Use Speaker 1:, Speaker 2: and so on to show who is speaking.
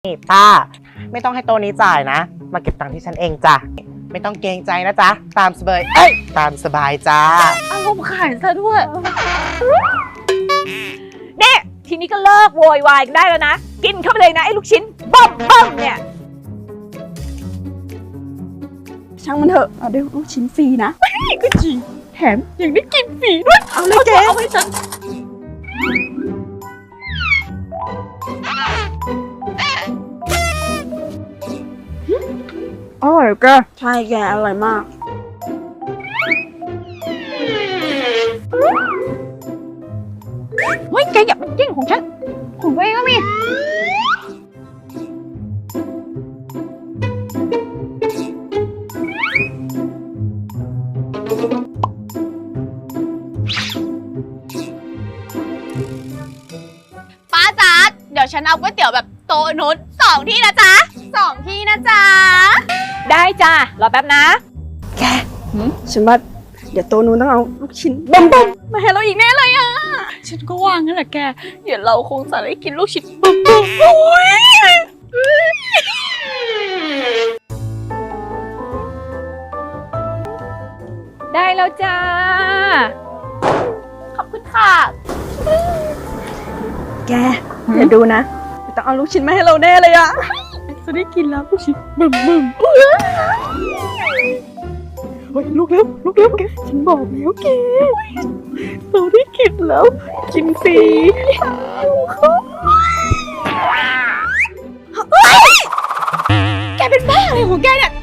Speaker 1: นี่ป้าไม่ต้องให้โต๊ะนี้จ่ายนะมาเก็บตังค์ที่ฉันเองจ้ะไม่ต้องเกรงใจนะจ๊ะตามสบายตามสบายจ้า
Speaker 2: อารมณ์ขายซะด้วยเนี่ยทีนี้ก็เลิกโวยวายกันได้แล้วนะกินเข้าไปเลยนะไอ้ลูกชิ้นบ้อมเนี่ย
Speaker 3: ช่างมันเถอะเอาได้ลูกชิ้นฟรีนะ
Speaker 2: ก็จริงแถมยังได้กินฟรีด้วย
Speaker 3: เอาเลยเจ๊
Speaker 2: เอาให้ฉัน
Speaker 3: อร่อยแกใช่แกอร่อยมากเฮ้ยแกอย่ามาแย่งของฉันของตัวเองก็มี
Speaker 4: ป้าจ๊ะเดี๋ยวฉันเอาก๋วยเตี๋ยวแบบโต๊ะนุช2 ที่นะจ๊ะ2 ที่นะจ๊ะ
Speaker 2: ได้จ้ารอแป๊บนะ
Speaker 3: ฉันว่าเดี๋ยวโตนู้นต้องเอาลูกชิ้นบ้มๆมาให้เราอีกแน่เลยอ่ะ
Speaker 2: ฉันก็ว่างั้นแหละแกเดี๋ยวเราคงจะได้กินลูกชิ้นบ้อมๆโอ้ยได้แล้วจ้า
Speaker 4: ขอบคุณค่ะ
Speaker 3: แกเดี๋ยวดูนะเดี๋ยวต้องเอาลูกชิ้นมาให้เราแน่เลยอ่ะจะได้กินแล้วลูกชิ้นบึมเฮ้ยลูกเร็วแกฉันบอกแล้วแกเราได้กินแล้วกินฟรี
Speaker 4: แกเป็นบ้าอะไรของแกเนี่ย